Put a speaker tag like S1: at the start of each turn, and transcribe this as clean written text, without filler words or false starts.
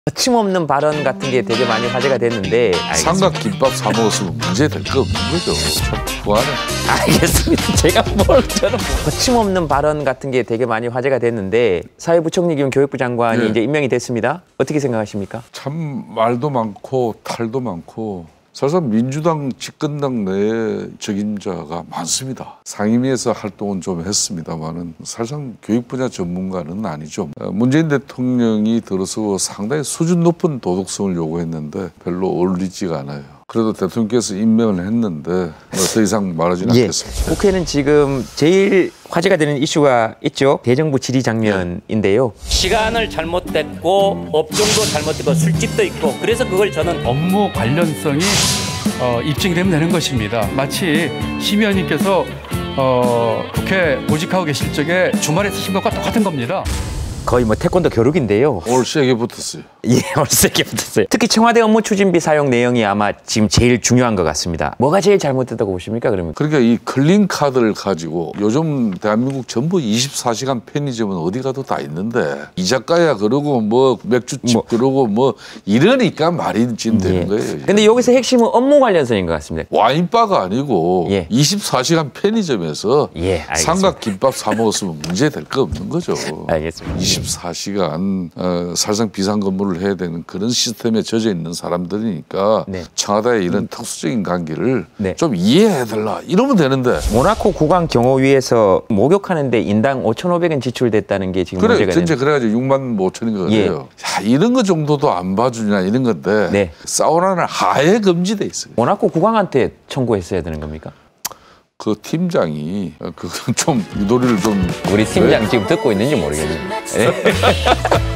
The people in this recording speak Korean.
S1: 거침없는 발언 같은 게 되게 많이 화제가 됐는데
S2: 삼각김밥 사 먹었으면 문제 될 거 없는 거죠. 참 후하네.
S1: 알겠습니다. 제가 저는 거침없는 발언 같은 게 되게 많이 화제가 됐는데 사회부총리 겸 교육부 장관이 이제 임명이 됐습니다. 어떻게 생각하십니까?
S2: 참 말도 많고 탈도 많고 사실상 민주당 집권당 내에 적임자가 많습니다. 상임위에서 활동은 좀 했습니다만은 사실상 교육 분야 전문가는 아니죠. 문재인 대통령이 들어서 상당히 수준 높은 도덕성을 요구했는데 별로 어울리지가 않아요. 그래도 대통령께서 임명을 했는데 더 이상 말하지는 않겠습니다.
S1: 국회는 지금 제일 화제가 되는 이슈가 있죠. 대정부 질의 장면인데요.
S3: 시간을 잘못됐고 업종도 잘못됐고 술집도 있고 그래서 그걸 저는
S4: 업무 관련성이 입증이 되면 되는 것입니다. 마치 심 의원님께서 국회 모직하고 계실 적에 주말에 쓰신 것과 똑같은 겁니다.
S1: 거의 뭐 태권도 교육인데요.
S2: 올 세게 붙었어요.
S1: 예, 올 세게 붙었어요. 특히 청와대 업무 추진비 사용 내용이 아마 지금 제일 중요한 것 같습니다. 뭐가 제일 잘못됐다고 보십니까, 그러면?
S2: 그러니까 이 클린 카드를 가지고 요즘 대한민국 전부 24시간 편의점은 어디 가도 다 있는데 이 작가야 그러고 뭐 맥주집 그러고 뭐 이러니까 말이 진 되는 거예요.
S1: 근데 여기서 핵심은 업무 관련성인 것 같습니다.
S2: 와인바가 아니고 24시간 편의점에서 삼각김밥 사 먹었으면 문제 될 거 없는 거죠.
S1: 알겠습니다.
S2: 24시간 사실상 비상근무를 해야 되는 그런 시스템에 젖어 있는 사람들이니까 청와대의 이런 특수적인 관계를 좀 이해해달라 이러면 되는데
S1: 모나코 국왕 경호위에서 목욕하는데 인당 5,500원 지출됐다는 게 지금 문제가
S2: 전체 그래가지고 6만 5천인가 그래요. 야, 이런 거 정도도 안 봐주냐 이런 건데 사우나는 하에 금지돼 있어요.
S1: 모나코 국왕한테 청구했어야 되는 겁니까?
S2: 그 팀장이 그좀 유도리를 좀
S1: 우리 팀장 지금 듣고 있는지 모르겠네요.